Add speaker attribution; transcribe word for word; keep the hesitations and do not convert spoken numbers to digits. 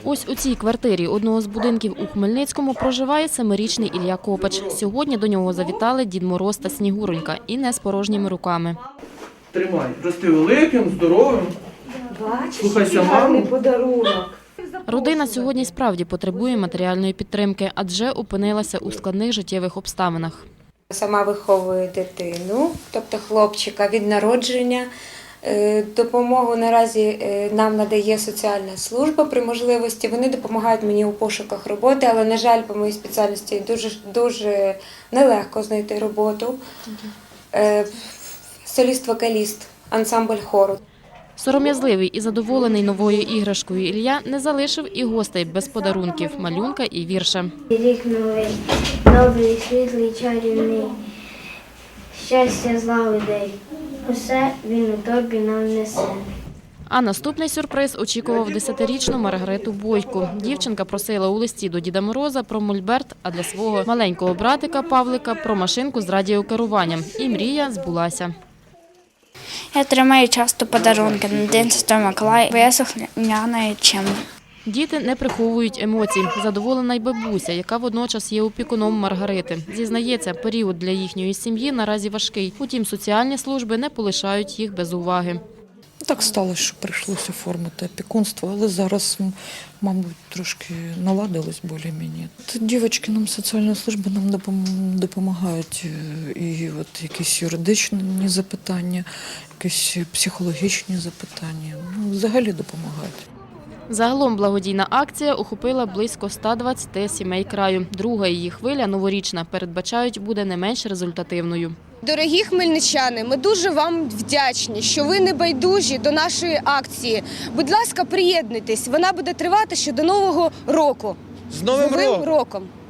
Speaker 1: Ось у цій квартирі одного з будинків у Хмельницькому проживає семирічний Ілля Копач. Сьогодні до нього завітали Дід Мороз та Снігуронька і не з порожніми руками.
Speaker 2: Тримай, рости великим, здоровим, слухайся маму.
Speaker 3: Подарунок.
Speaker 1: Родина сьогодні справді потребує матеріальної підтримки, адже опинилася у складних життєвих обставинах.
Speaker 3: Сама виховую дитину, тобто хлопчика від народження. Допомогу наразі нам надає соціальна служба при можливості. Вони допомагають мені у пошуках роботи, але, на жаль, по моїй спеціальності дуже, дуже нелегко знайти роботу. Соліст-вокаліст, ансамбль хору.
Speaker 1: Сором'язливий і задоволений новою іграшкою Ілля не залишив і гостей без подарунків, малюнка і вірша.
Speaker 4: Рік новий, добрий, світлий, чарівний, щастя, злагоди, усе він у тобі нам несе.
Speaker 1: А наступний сюрприз очікував десятирічну Маргариту Бойко. Дівчинка просила у листі до Діда Мороза про мольберт, а для свого маленького братика Павлика про машинку з радіокеруванням. І мрія збулася.
Speaker 5: Я отримаю часто подарунки на День Святого Миколая, бо я слухняна і чим.
Speaker 1: Діти не приховують емоцій. Задоволена й бабуся, яка водночас є опікуном Маргарити. Зізнається, період для їхньої сім'ї наразі важкий. Утім, соціальні служби не полишають їх без уваги.
Speaker 6: Так сталося, що прийшлося оформити опікунство, але зараз, мабуть, трошки наладилось більш-менш. Дівчатки нам, соціальні служби нам допомагають, і от якісь юридичні запитання, якісь психологічні запитання, ну, взагалі допомагають.
Speaker 1: Загалом благодійна акція охопила близько ста двадцяти сімей краю. Друга її хвиля, новорічна, передбачають, буде не менш результативною.
Speaker 7: Дорогі хмельничани, ми дуже вам вдячні, що ви не байдужі до нашої акції. Будь ласка, приєднуйтесь, вона буде тривати ще до Нового року.
Speaker 2: З Новим роком!
Speaker 7: роком!